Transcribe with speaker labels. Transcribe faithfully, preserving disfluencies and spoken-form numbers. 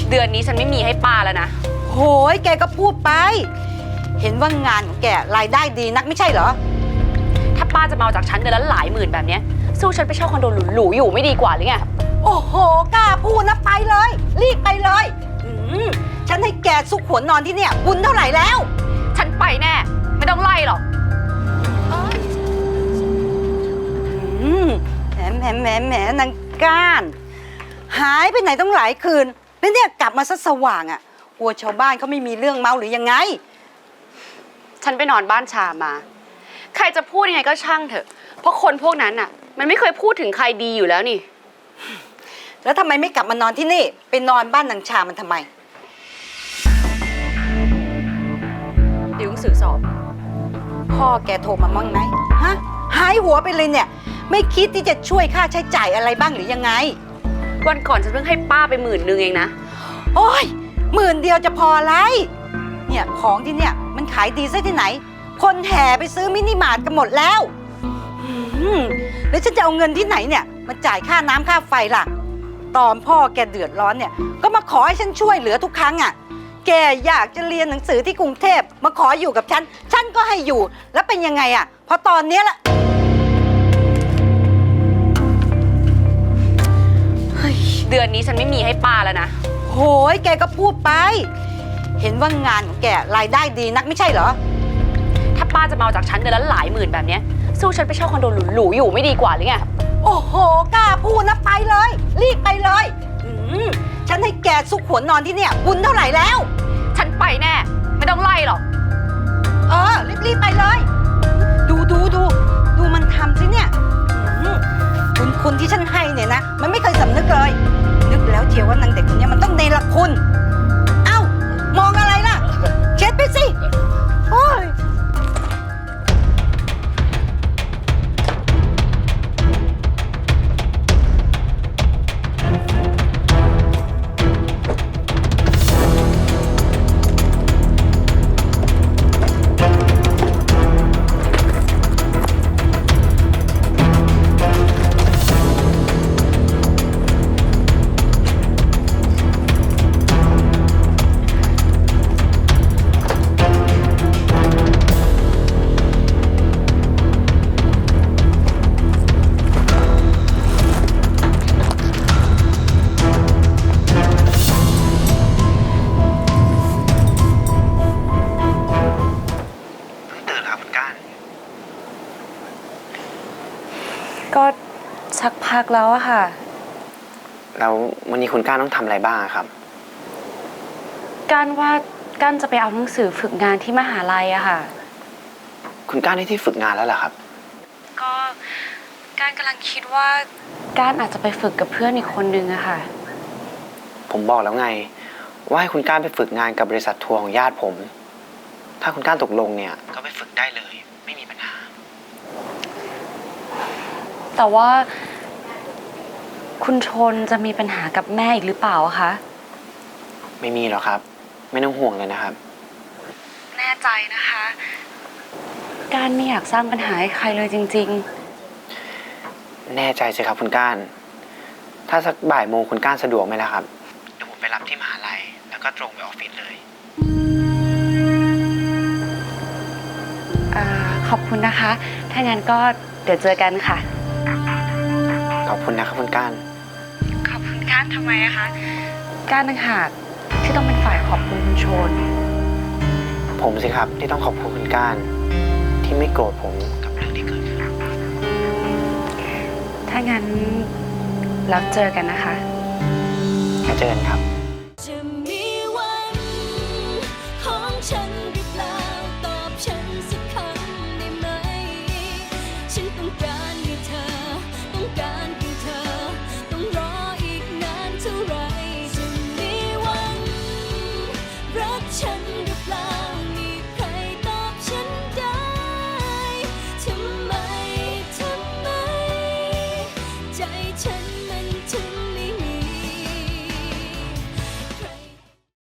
Speaker 1: เดือนนี้ฉันไม่มีให้ป้าแล้วนะ
Speaker 2: โหยแกก็พูดไปเห็นว่างานของแกรายได้ดีนักไม่ใช่เหรอ
Speaker 1: ถ้าป้าจะมาเอาจากฉันเดือนละหลายหมื่นแบบนี้สู้ฉันไปเช่าคอนโดหรูๆอยู่ไม่ดีกว่าหรือไง
Speaker 2: โอ้โหกล้าพูดนะไปเลยรีบไปเลยอืมฉันให้แกซุกหัวนอนที่เนี่ยบุญเท่าไหร่แล้ว
Speaker 1: ฉันไปแน่ไม่ต้องไล่หรอก
Speaker 2: อืมแหมแหมแหมแหมนางก้านหายไปไหนต้องหลายคืนแล้วเนี่ยกลับมาซะสว่างอ่ะกลัวชาวบ้านเขาไม่มีเรื่องเมาหรือยังไง
Speaker 1: ฉันไปนอนบ้านชามาใครจะพูดยังไงก็ช่างเถอะเพราะคนพวกนั้นน่ะมันไม่เคยพูดถึงใครดีอยู่แล้วนี่
Speaker 2: แล้วทำไมไม่กลับมานอนที่นี่ไปนอนบ้านนางชามันทำไม
Speaker 1: ติวหนังสือสอบ
Speaker 2: พ่อแกโทรมามั่งไหมฮะหายหัวไปเลยเนี่ยไม่คิดที่จะช่วยค่าใช้จ่ายอะไรบ้างหรือยังไง
Speaker 1: วันก่อนฉันเพิ่งให้ป้าไปหมื่นนึงเองนะ
Speaker 2: โอ้ยหมื่นเดียวจะพออะไรเนี่ยของที่เนี่ยมันขายดีซะที่ไหนคนแห่ไปซื้อมินิมาร์ทกันหมดแล้วแล้วฉันจะเอาเงินที่ไหนเนี่ยมาจ่ายค่าน้ำค่าไฟล่ะตอนพ่อแกเดือดร้อนเนี่ยก็มาขอให้ฉันช่วยเหลือทุกครั้งอ่ะแกอยากจะเรียนหนังสือที่กรุงเทพมาขออยู่กับฉันฉันก็ให้อยู่แล้วเป็นยังไงอ่ะพอตอนนี้ละ
Speaker 1: เดือนนี้ฉันไม่มีให้ป้าแล้วนะ
Speaker 2: โหยแกก็พูดไปเห็นว่างานของแกรายได้ดีนักไม่ใช่เหรอ
Speaker 1: ถ้าป้าจะมาเอาจากฉันเดือนละหลายหมื่นแบบนี้สู้ฉันไปเช่าคอนโดหรูๆอยู่ไม่ดีกว่าหรือไง
Speaker 2: โอ้โหกล้าพูดนะไปเลยรีบไปเลยอืมฉันให้แกซุกหัวนอนที่เนี่ยบุญเท่าไหร่แล้ว
Speaker 1: ฉันไปแน่ไม่ต้องไล่หรอก
Speaker 2: เออรีบๆไปเลยดูดูดูดูมันทำสิเนี่ยคุณคุณที่ฉันให้เนี่ยนะมันไม่เคยสำนึกเลยนึกแล้วเชียวว่านางเด็กคนนี้มันต้องเนรคุณเอ้ามองอะไรล่ะเช็ดไปสิโอ้ย
Speaker 1: ก็สักพักแล้วอะค่ะ
Speaker 3: แล้ววันนี้คุณก้านต้องทำอะไรบ้างครับ
Speaker 1: ก้านว่าก้านจะไปเอาหนังสือฝึกงานที่มหาลัยอะค่ะ
Speaker 3: คุณก้านได้ที่ฝึกงานแล้วเหรอครับ
Speaker 1: ก็ก้านกำลังคิดว่าก้านอาจจะไปฝึกกับเพื่อนอีกคนนึงอะค่ะ
Speaker 3: ผมบอกแล้วไงว่าให้คุณก้านไปฝึกงานกับบริษัททัวร์ของญาติผมถ้าคุณก้านตกลงเนี่ยก็ไปฝึกได้เลยไม่มีปัญหา
Speaker 1: แต่ว่าคุณชนจะมีปัญหากับแม่อีกหรือเปล่าคะ
Speaker 3: ไม่มีหรอกครับไม่ต้องห่วงเลยนะครับ
Speaker 1: แน่ใจนะคะก้านไม่อยากสร้างปัญหาให้ใครเลยจริง
Speaker 3: ๆแน่ใจสิครับคุณก้านถ้าสักบ่ายโมงคุณก้านสะดวกไหมล่ะครับเดี๋ยวผมไปรับที่มหาลัยแล้วก็ตรงไปออฟฟิศเลย
Speaker 1: อ่าขอบคุณนะคะถ้างั้นก็เดี๋ยวเจอกันค่ะ
Speaker 3: ขอบคุณนะครับคุณก้าน
Speaker 1: ขอบคุณก้านทำไมอะคะก้านต่างหากที่ต้องเป็นฝ่ายขอบคุณคุณชน
Speaker 3: ผมสิครับที่ต้องขอบคุณคุณก้านที่ไม่โกรธผมกับเรื่องที่เกิดขึ้น
Speaker 1: ถ้างั้นแล้วเจอกันนะคะ
Speaker 3: เจอกันครับ
Speaker 4: จะมีวันของฉัน